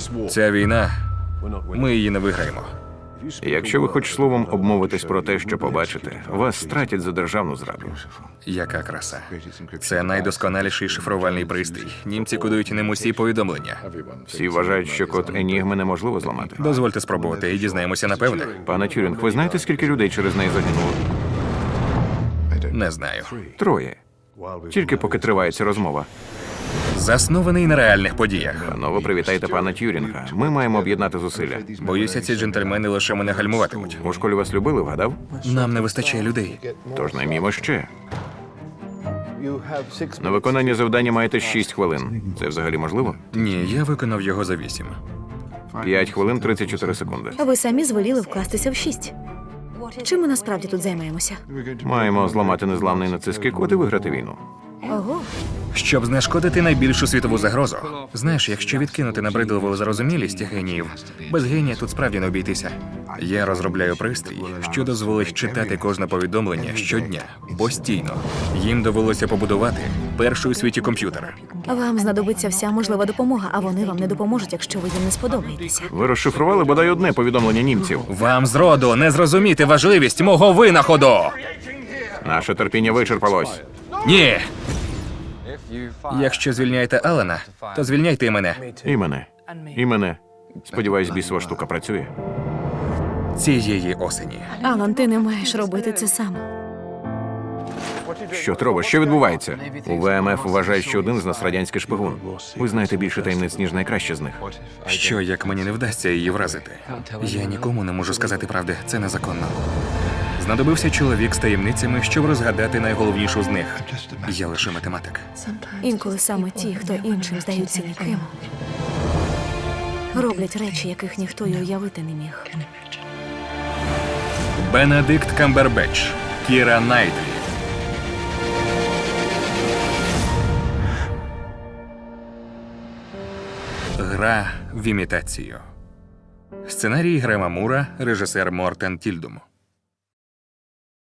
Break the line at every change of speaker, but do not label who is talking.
Ця війна, ми її не виграємо.
Якщо ви хоч словом обмовитесь про те, що побачите, вас стратять за державну зраду.
Яка краса. Це найдосконаліший шифрувальний пристрій. Німці кодують ним усі повідомлення.
Всі вважають, що код Енігми неможливо зламати.
Дозвольте спробувати і дізнаємося напевне.
Пане Тюрінг, ви знаєте, скільки людей через неї загинуло?
Не знаю.
3. Тільки поки триває ця розмова.
Заснований на реальних подіях.
Панове, привітайте пана Тюрінга. Ми маємо об'єднати зусилля.
Боюся, ці джентльмени лише мене гальмуватимуть.
У школі вас любили, вгадав?
Нам не вистачає людей.
Тож наймімо ще. На виконання завдання маєте 6 хвилин. Це взагалі можливо?
Ні, я виконав його за 8.
5 хвилин 34 секунди.
Ви самі звеліли вкластися в 6. Чим ми насправді тут займаємося?
Маємо зламати незламний нацистський код і виграти війну.
Ого,
Щоб знешкодити найбільшу світову загрозу. Знаєш, якщо відкинути набридливу зарозумілість геніїв, без генія тут справді не обійтися. Я розробляю пристрій, що дозволить читати кожне повідомлення щодня, постійно. Їм довелося побудувати перший у світі комп'ютер.
вам знадобиться вся можлива допомога, а вони вам не допоможуть, якщо ви їм не сподобаєтеся.
Ви розшифрували бодай одне повідомлення німців.
Вам зроду не зрозуміти важливість мого винаходу!
Наше терпіння вичерпалось.
Ні! Якщо звільняєте Алана, то звільняйте і мене.
І мене. І мене. Сподіваюсь, бісова штука працює.
Цієї осені.
Алан, ти не маєш робити це сам.
Що треба? Що відбувається? У ВМФ вважають, що один з нас радянський шпигун. Ви знаєте більше таємниць, ніж найкраще з них.
Що, як мені не вдасться її вразити? Я нікому не можу сказати правди, це незаконно. Знадобився чоловік з таємницями, щоб розгадати найголовнішу з них. Я лише математик.
Інколи саме ті, хто іншим здаються ніким, роблять речі, яких ніхто й уявити не міг.
Бенедикт Камбербетч, Кіра Найтлі. Гра в імітацію. Сценарій Грема Мура, режисер Мортен Тільдум.